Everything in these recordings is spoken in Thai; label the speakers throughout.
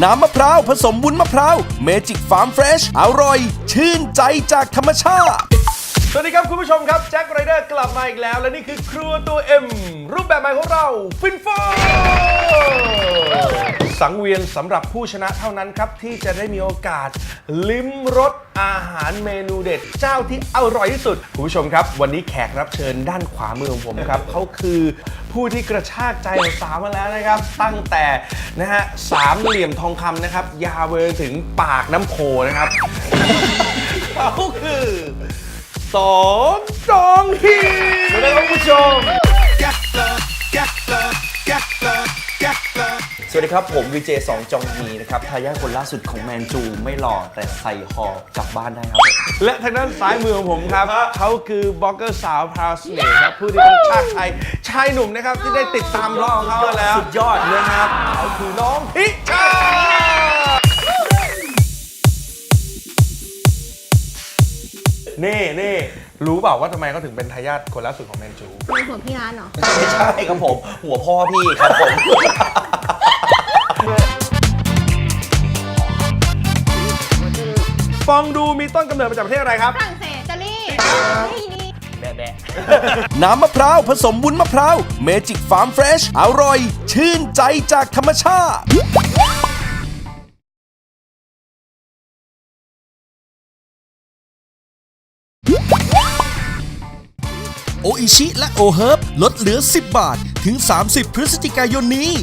Speaker 1: น้ำมะพร้าวผสมวุ้นมะพร้าวเมจิกฟาร์มเฟรชอร่อยชื่นใจจากธรรมชาติสวัสดีครับคุณผู้ชมครับแจ็คไรเดอร์กลับมาอีกแล้วและนี่คือครัวตัวเอ็มรูปแบบใหม่ของเราฟินโฟสังเวียนสำหรับผู้ชนะเท่านั้นครับที่จะได้มีโอกาสลิ้มรสอาหารเมนูเด็ดเจ้าที่อร่อยที่สุดคุณผู้ชมครับวันนี้แขกรับเชิญด้านขวามือของผมครับเขาคือผู้ที่กระชากใจสาวมาแล้วนะครับตั้งแต่นะฮะสามเหลี่ยมทองคำนะครับยาวไปถึงปากน้ำโพนะครับ เขาคือสองจองฮีสวัสดีครับคุณผู้ชม
Speaker 2: สวัสดีครับผมวีเจสองจองฮีนะครับทายาทคนล่าสุดของแมนจูไม่หล่อแต่ใส่หอกลับบ้านได้ครับ
Speaker 1: และทางด้านซ้ายมือของผมครับเขาคือบล็อกเกอร์สาวพราวเสน่ห์ครับผู้ที่เป็นชาติไทยชายหนุ่มนะครับที่ได้ติดตามร้องเขาแล้วสุดยอดนะครับเขาคือน้องพิชานี่รู้เปล่าว่าทำไมเขาถึงเป็นทายาทคนล่าสุดของแมนจู
Speaker 3: เป็นหัวพี่ร้านเหรอ
Speaker 2: ไม่ใช่ครับผมหัวพ่อพี่ครับผม
Speaker 1: ฟองดูมีต้นกำเนิดมาจากประเทศอะไรครับ
Speaker 3: ฝรั่งเศสอิตาลีนี่
Speaker 2: แบะ
Speaker 1: น้ำมะพร้าวผสมวุ้นมะพร้าวเมจิกฟาร์มเฟรชอร่อยชื่นใจจากธรรมชาติโออิชิและโอเฮิร์บลดเหลือ10 บาทถึง 30 พฤศจิกายนนี้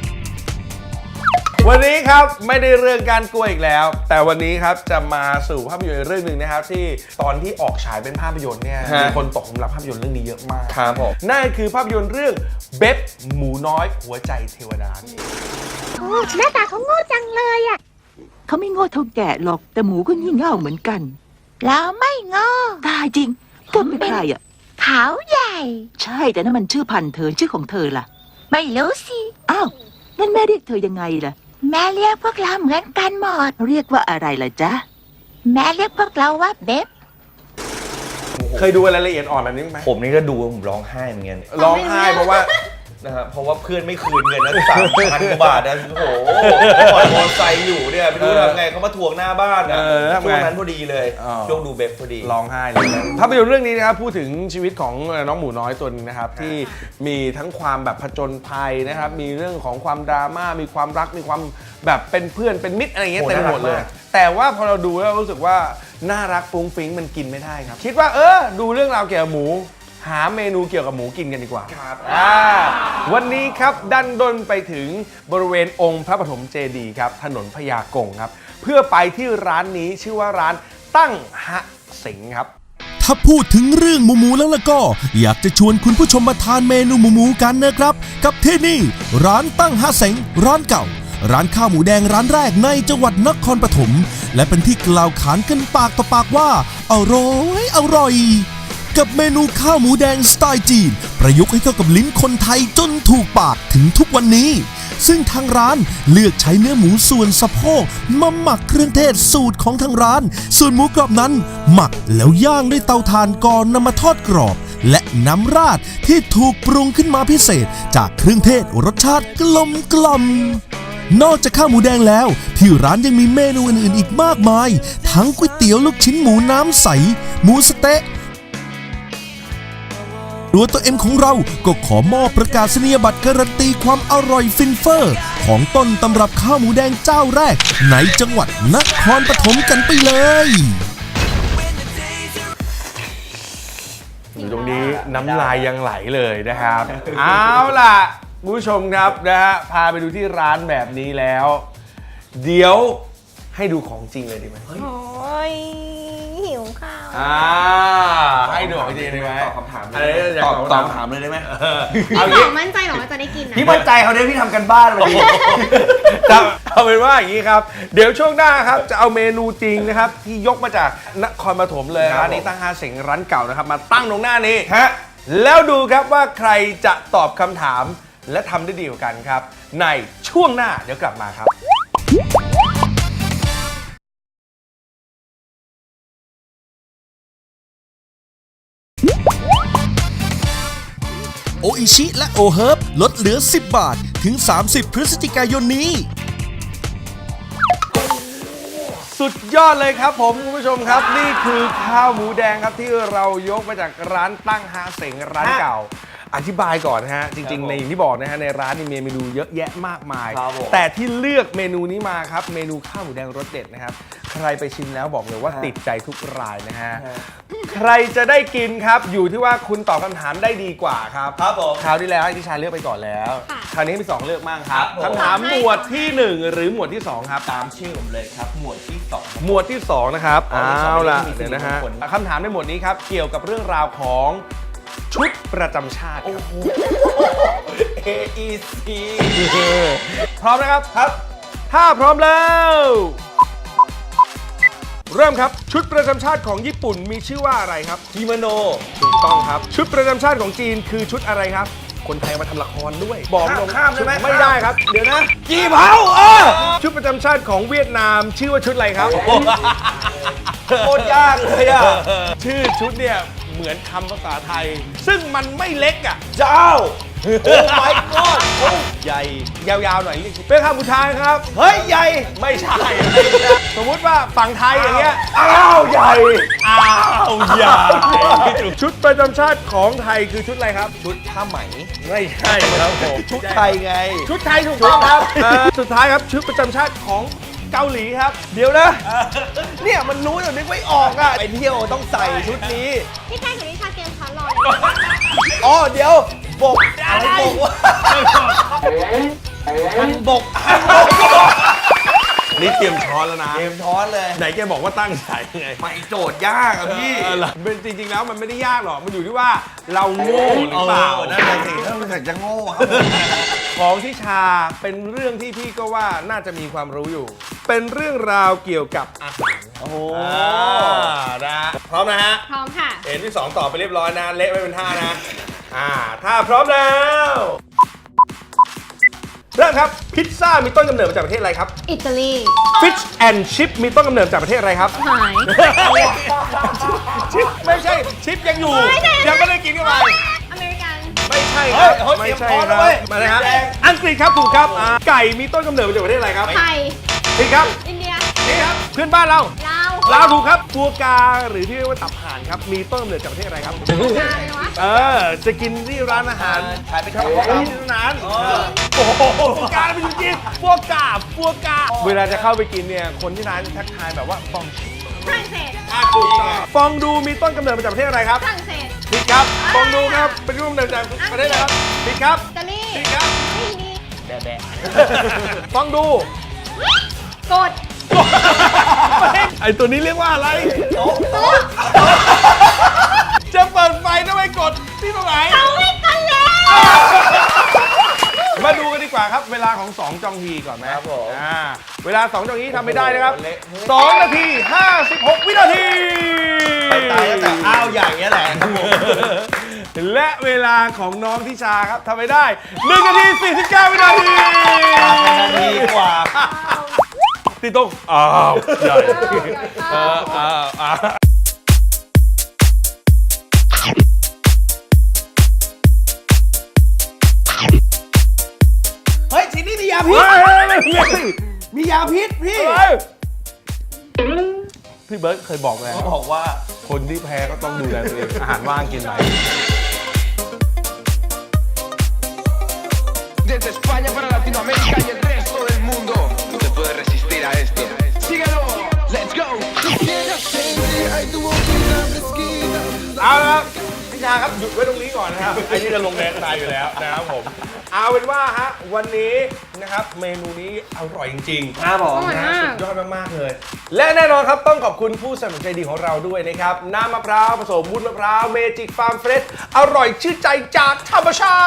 Speaker 1: วันนี้ครับไม่ได้เรื่องการกลัวอีกแล้วแต่วันนี้ครับจะมาสู่ภาพยนตร์เรื่องหนึ่งนะครับที่ตอนที่ออกฉายเป็นภาพยนตร์เนี่ยมีคนตกหลุมรักภาพยนตร์เรื่องนี้เยอะมาก
Speaker 2: ครับผม
Speaker 1: นั่นคือภาพยนตร์เรื่องเบ็บหมูน้อยหัวใจเทวดา
Speaker 3: หน้าตาเขาโง่จังเลยอ่ะ
Speaker 4: เขาไม่โง่เท่าแกะหรอกแต่หมูก็งี่เง่าเหมือนกัน
Speaker 3: เราไม่โง่
Speaker 4: ตายจริงเธอเป็นใครอ่ะ
Speaker 3: เขาใหญ่
Speaker 4: ใช่แต่นั่นมันชื่อพันธุ์เธอชื่อของเธอล่ะ
Speaker 3: ไม่รู้สิ
Speaker 4: อ้าวงั้นแม่เรียกเธอยังไงล่ะ
Speaker 3: แม่เรียกพวกเราเหมือนกันหมด
Speaker 4: เรียกว่าอะไรล่ะจ๊ะ
Speaker 3: แม่เรียกพวกเราว่าเบ๊บ
Speaker 1: เคยดูรายละเอียดอ่อนแบบนี้ไหม
Speaker 2: ผมนี่ก็ดูผมร้องไห้เหมือนกัน
Speaker 1: ร้องไห้เพราะว่า
Speaker 2: นะครับเพราะว่าเพื่อนไม่คืนเงินนะ3,000 กว่าบาทนะโอ้โหผ่อนมอเตอร์ไซค์อยู่เนี่ยไม่รู้ทำไงเขามาทวงหน้าบ้านนะช่วงนั้นพอดีเลยช่วงดูเบ็บพอดี
Speaker 1: ร้องไห้เลยภาพยนตร์เรื่องนี้นะครับพูดถึงชีวิตของน้องหมูน้อยตัวนึงนะครับที่มีทั้งความแบบผจญภัยนะครับมีเรื่องของความดราม่ามีความรักมีความแบบเป็นเพื่อนเป็นมิตรอะไรเงี้ยเต็มหมดเลยแต่ว่าพอเราดูแล้วรู้สึกว่าน่ารักฟุ้งฟิ้งมันกินไม่ได้ครับคิดว่าดูเรื่องราวเกี่ยวกับหมูหาเมนูเกี่ยวกับหมูกินกันดีกว่าครับวันนี้ครับดันด้นไปถึงบริเวณองค์พระปฐมเจดีย์ครับถนนพญากงครับเพื่อไปที่ร้านนี้ชื่อว่าร้านตั้งฮะเสงครับถ้าพูดถึงเรื่องหมูแล้วก็อยากจะชวนคุณผู้ชมมาทานเมนูหมูกันนะครับกับที่นี่ร้านตั้งฮะเสงร้านเก่าร้านข้าวหมูแดงร้านแรกในจังหวัดนครปฐมและเป็นที่กล่าวขานกันปากต่อปากว่าอร่อยกับเมนูข้าวหมูแดงสไตล์จีนประยุกต์ให้เข้ากับลิ้นคนไทยจนถูกปากถึงทุกวันนี้ซึ่งทางร้านเลือกใช้เนื้อหมูส่วนสะโพกมาหมักเครื่องเทศสูตรของทางร้านส่วนหมูกรอบนั้นหมักแล้วย่างด้วยเตาถ่านก่อนนำมาทอดกรอบและน้ำราดที่ถูกปรุงขึ้นมาพิเศษจากเครื่องเทศรสชาติกลมนอกจากข้าวหมูแดงแล้วที่ร้านยังมีเมนูอื่นๆอีกมากมายทั้งก๋วยเตี๋ยวลูกชิ้นหมูน้ำใสหมูสะเต๊ะตัวเอ็มของเราก็ขอมอบประกาศนียบัตรการันตีความอร่อยฟินเฟอร์ของต้นตำรับข้าวหมูแดงเจ้าแรกในจังหวัดนครปฐมกันไปเลยอยู่ตรงนี้น้ำลายยังไหลเลยนะครับเอาล่ะคุณผู้ชมครับนะฮะพาไปดูที่ร้านแบบนี้แล้วเดี๋ยวให้ดูของจริงเลยดีไหม
Speaker 3: โอ้ยหิวข้าว
Speaker 1: ให้ดูของจริงได้ไหม
Speaker 2: ตอบคำถาม
Speaker 1: ตอบคำถามเลยได้ไหม
Speaker 3: พี่บอกมั่นใจหรอว่าจะได้กินนะ
Speaker 2: พี่มั่นใจเขาเนี่ยพี่ทำกันบ้านมาดี
Speaker 1: เอาเป็นว่าอย่างนี้ครับเดี๋ยวช่วงหน้าครับจะเอาเมนูจริงนะครับที่ยกมาจากนครปฐมเลยร้านนี้ตั้งฮะเสงร้านเก่านะครับมาตั้งตรงหน้านี้แล้วดูครับว่าใครจะตอบคำถามและทำได้ดีกว่ากันครับในช่วงหน้าเดี๋ยวกลับมาครับโออิชิและโอเฮิร์บลดเหลือ10 บาทถึง 30 พฤศจิกายนนี้สุดยอดเลยครับผมคุณผู้ชมครับนี่คือข้าวหมูแดงครับที่เรายกมาจากร้านตั้งฮาเสงร้านเก่า อธิบายก่อนนะฮะจริงๆในอย่างที่บอกนะฮะในร้านมีเมนูเยอะแยะมากมาย แต่ที่เลือกเมนูนี้มาครับเมนูข้าวหมูแดงรสเด็ดนะครับใครไปชิมแล้วบอกเลยว่าติดใจทุกรายนะฮะใครจะได้กินครับอยู่ที่ว่าคุณตอบคำถามได้ดีกว่าครับ
Speaker 2: ครับผม
Speaker 1: คราวที่แล้วที่ชาเลือกไปก่อนแล้ว
Speaker 3: ค่ะ
Speaker 1: คราวนี้มี2เลือกมั่งครับ
Speaker 2: ครับผม
Speaker 1: คำถามหมวดที่ 1 หรือหมวดที่ 2 ครับ
Speaker 2: ตามชื่อผมเลยครับ หมวดที่ 2
Speaker 1: หมวดที่ 2 นะครับ
Speaker 2: อ๋อหมวดที่สอง
Speaker 1: เอาล่ะ
Speaker 2: ไม่มี
Speaker 1: เดี๋ยวนะฮะ
Speaker 2: สิริมงคล
Speaker 1: คำถามในหมวดนี้ครับเกี่ยวกับเรื่องราวของชุดประจำชาติครับ
Speaker 2: AEC
Speaker 1: พร้อมนะครับครับ ถ้าพร้อมแล้ว เริ่มครับชุดประจำชาติของญี่ปุ่นมีชื่อว่าอะไรครับ
Speaker 2: กิโมโน
Speaker 1: ถูกต้องครับ ชุดประจำชาติของจีนคือชุดอะไรครับ คนไทยมาทำละครด้วย บอกตรง
Speaker 2: ข้ามได้ไหม
Speaker 1: ไม่ได้ครับ เดี๋ยวนะ
Speaker 2: กี่เผา
Speaker 1: ชุดประจำชาติของเวียดนามชื่อว่าชุดอะไรครับ
Speaker 2: โคตรยากเลยอ่ะ
Speaker 1: ชื่อชุดเนี่ยเหมือนคำภาษาไทย ซึ่งมันไม่เล็กอ่ะ
Speaker 2: เจ้า โอ้ my god โอ้
Speaker 1: ใหญ่ยาวๆหน่อยเรียกเป็นคำสุดท้ายครับ
Speaker 2: เฮ้ย ใหญ่
Speaker 1: ไม่ใช่ สมมุติว่าฝั่งไทยอย่างเงี้ย
Speaker 2: อ้าวใหญ่
Speaker 1: อ้าวใหญ่ชุดประจำชาติของไทยคือชุดอะไรครับ
Speaker 2: ชุดผ้าไหม
Speaker 1: ไม่ใช่ครับผม
Speaker 2: ชุดไทยไง
Speaker 1: ชุดไทยถูกต้องครับสุดท้ายครับชุดประจำชาติของเกาหลีครับ
Speaker 2: เดี๋ยวนะ เนี่ยมันรู้แต่นึกไม่ออกอ่ะ ไปเที่ยวต้องใส่ชุดนี้
Speaker 3: พี่แค่กับพี่ชาเตรียมช้อนรอ
Speaker 2: อ๋อ เดี๋ยวบกอะไรบกวะฮันบก
Speaker 1: นี่เตรียมช้อนแล้วนะ
Speaker 2: เกมช้อนเลย
Speaker 1: ไหนแกบอกว่าตั้งใจไง
Speaker 2: ไปโจทย์ยากอะพี่
Speaker 1: เป็นจริงๆแล้วมันไม่ได้ยากหรอกมันอยู่ที่ว่าเราโง่หรือเปล่า
Speaker 2: นั่นแหละสิถ้ามันจะโง่ครับ
Speaker 1: ของที่ชาเป็นเรื่องที่พี่ก็ว่าน่าจะมีความรู้อยู่ เป็นเรื่องราวเกี่ยวกับอาหาร
Speaker 2: โอ้โห
Speaker 1: นะพร้อมนะฮะ
Speaker 3: พร้อมค่ะ
Speaker 1: เห็นที่2ตอบไปเรียบร้อยนะเละไม่เป็นท่านะถ้าพร้อมแล้วเริ่มครับพิซซ่ามีต้นกำเนิดมาจากประเทศอะไรครับ
Speaker 3: อิตาลี
Speaker 1: Fish and Chip มีต้นกำเนิดจากประเทศอะไรครับ
Speaker 3: หาย
Speaker 1: ชิปไม่ใช่ชิปยังอยู่
Speaker 3: ไม่ใช่
Speaker 1: ยังไม่ได้กินเข้าไป
Speaker 3: อเมริกัน
Speaker 1: ไม่ใช่ค
Speaker 2: เฮ้
Speaker 1: รับ
Speaker 2: ยเฮ้ย
Speaker 1: ไม่ใช่
Speaker 2: เตรียมพร้อม
Speaker 1: ค
Speaker 2: แล้
Speaker 1: รั
Speaker 2: วเว้
Speaker 1: บ
Speaker 2: ย
Speaker 1: มาเลยฮะ
Speaker 2: แดง
Speaker 1: อังกฤษครับถูกครับไก่มีต้นกำเนิดมาจากประเทศอะไรครับ
Speaker 3: ไทย
Speaker 1: ผิดครับ
Speaker 3: อินเดีย
Speaker 1: นี่ครับเพื่อนบ้านเรา
Speaker 3: ลาว
Speaker 1: ลาวถูกครับฟัวกราหรือที่เรียกว่าตับห่านครับมีต้นกำเนิดจากประเทศอะไรครับ
Speaker 3: นานเลยวะ
Speaker 1: จะกินที่ร้านอาหาร
Speaker 2: ขายเป็น
Speaker 1: ค
Speaker 2: ค
Speaker 1: รั
Speaker 2: รั
Speaker 1: บบ ที่นั้นโอ้โหฟัวกราเป็นจริงๆฟัวกราเวลาจะเข้าไปกินเนี่ยคนที่ร้านทักทายแบบว่าฟอง
Speaker 3: ฝรั่งเศส
Speaker 1: ถูกต้องฟองดูมีต้นกำเนิดมาจากประเทศอะไรครับ
Speaker 3: ฝรั่งเศส
Speaker 1: ผิดครับฟองดูครับเป็นต้นกำเนิดจากประเทศอะไรครับผิดครับ
Speaker 3: อิตาลี
Speaker 1: ผิดครับ
Speaker 3: ไม่ดี
Speaker 2: แบะ
Speaker 1: ฟองดู
Speaker 3: กด
Speaker 1: ไอตัวนี้เรียกว่าอะไร
Speaker 3: โต๊ะ
Speaker 1: จะเปิดไฟทำไมกดที่ตรงไหน
Speaker 3: เอาไว้กันแล้ว
Speaker 1: มาดูกันดีกว่าครับ เวลาของ 2 จองฮีก่อนไหม
Speaker 2: ครับผม
Speaker 1: เวลา 2 จองฮีทำไม่ได้นะครับ
Speaker 2: โอ้โหเละเทะ
Speaker 1: 2 นาที 56 วินาที
Speaker 2: ไปตายตั้งแต่อ้าวอย่างเงี้ยแหละครับผม
Speaker 1: และเวลาของน้องทิชาครับทำไม่ได้ 1 นาที 49 วินาที
Speaker 2: เป็นนาทีกว่า
Speaker 1: ตีตรงอ้าวใหญ่อ้าว
Speaker 2: เฮ้ยทีนี้มียาพิษ มียาพิษพี่
Speaker 1: พี่เบิร์ตเคยบอกแล้ว
Speaker 2: เขาบอกว่า
Speaker 1: คนที่แพ้ก็ต้องดูแลตัวเองอาหารว่างกินไหม
Speaker 5: Desde España para Latinoamérica y el resto del mundo. No te puedes resistir a esto. Síguelo. Let's go.
Speaker 1: เอาละครับพี่ชาครับหยุดไว้ตรงนี้ก่อนนะครับไอ้นี่จะลงแรงตายอยู่แล้วนะครับผมเอาเป็นว่าฮะวันนี้นะครับเมนูนี้อร่อยจริงๆ
Speaker 2: ครับผม
Speaker 3: อร่อยมาก
Speaker 1: สุดยอดมากๆเลย และแน่นอนครับต้องขอบคุณผู้สนับสนุนใจดีของเราด้วยนะครับน้ำมะพร้าวผสมวุ้นมะพร้าวเมจิกฟาร์มเฟรชอร่อยชื่นใจจากธรรมชา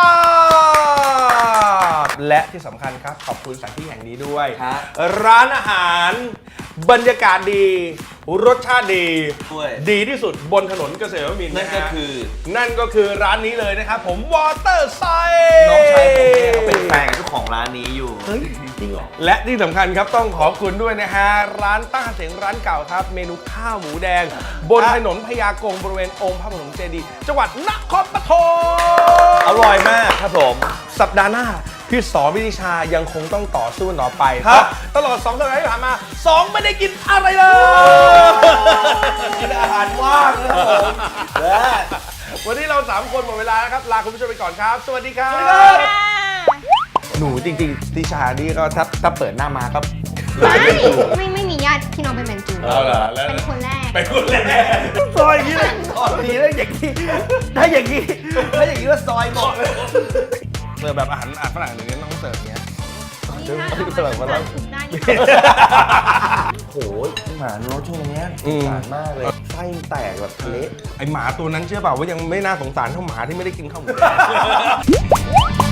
Speaker 1: ติและที่สำคัญครับขอบคุณสถานที่แห่งนี้ด้วย
Speaker 2: ครับ
Speaker 1: ร้านอาหารบรรยากาศดีรสชาติดี
Speaker 2: ด้วย
Speaker 1: ดีที่สุดบนถนนเกษตรนวมินทร์
Speaker 2: นั่นก็
Speaker 1: ฮะ
Speaker 2: คือ
Speaker 1: นั่นก็คือร้านนี้เลยนะครับผมวอเตอร์ไซ
Speaker 2: น้องชายผมเนี่ยเขาเป็นแฟนกับเจ้าของร้านนี้อยู่
Speaker 1: เฮ้ยจริงเหรอและที่สำคัญครับต้องขอบคุณด้วยนะฮะร้านตั้งเสียงร้านเก่าครับ เมนูข้าวหมูแดง บนถนนพญากงบริเวณองค์พระปฐมเจดีย์จังหวัดนครปฐม
Speaker 2: อร่อยมากครับผม
Speaker 1: สัปดาห์หน้าพี่สอพิธิชายังคงต้องต่อสู้ต่อไป
Speaker 2: ครับ
Speaker 1: ตลอด2 สัปดาห์ที่ผ่านมา2ไม่ได้กินอะไรเลย
Speaker 2: กินอาหารว่างนะครับผมและ
Speaker 1: วันนี้เรา 3 คนหมดเวลาแล้วครับ ลาคุณผู้ชมไปก่อนครับ สวัสดีครับ หนูจริงๆทิชานี่ก็ถ้าเปิดหน้ามาก็
Speaker 3: ไม่มีญาติพี่น้องเป็นแมนจู
Speaker 2: เอาล่ะแล้ว
Speaker 3: เป็นคนแรก
Speaker 2: เป็นคนแรก
Speaker 1: ซอยอย่างนี้เลยดีแล้วอย่างนี้ถ้าอย่างนี้ก็ซอยหมดเลยเสิร์ฟแบบอาหารฝรั่งหรือต้องเสิร์ฟอย่างเงี้ย
Speaker 3: นี่ถ้าเอามาทำคุมได้นี่
Speaker 2: โอ้ยหมาโน้ตช่วงเนี้ยสงสารมากเลย ไส้แตกแบบเละ
Speaker 1: ไอหมาตัวนั้นเชื่อเปล่าว่ายังไม่น่าสงสารเท่าหมาที่ไม่ได้กินข้าวหมู